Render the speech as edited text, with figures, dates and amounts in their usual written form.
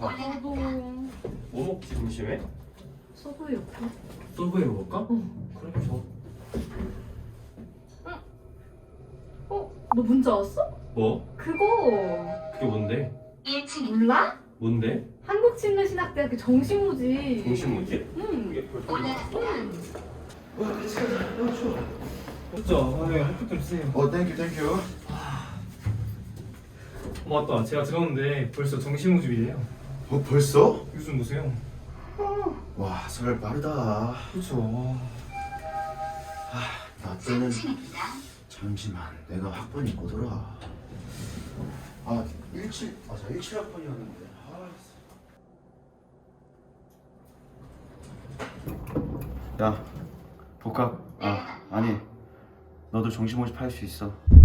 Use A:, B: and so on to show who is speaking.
A: 배고파.
B: 나도
A: 뭐 먹지 점심에?
B: 서브웨이 없어?
A: 서브웨이 먹을까?
B: 응.
A: 그래 좋아.
B: 너 문자 왔어?
A: 뭐?
B: 그거
A: 그게 뭔데?
B: 몰라?
A: 뭔데?
B: 한국침례신학대학교 정시무지.
A: 정신무지?
B: 응.
A: 그게 벌써 나왔어?
B: 응.
A: 와 진짜 학교 좀 주세요.
C: 땡큐.
A: 맞다 제가 들었는데 벌써 정신무집이래요.
C: 벌써?
A: 요즘 보세요.
C: 와, 설 빠르다.
A: 그렇죠.
C: 나 때는 잠시만, 내가 학번이 뭐더라? 17학번이었는데. 야, 복학. 아니, 너도 정시 모집할 수 있어.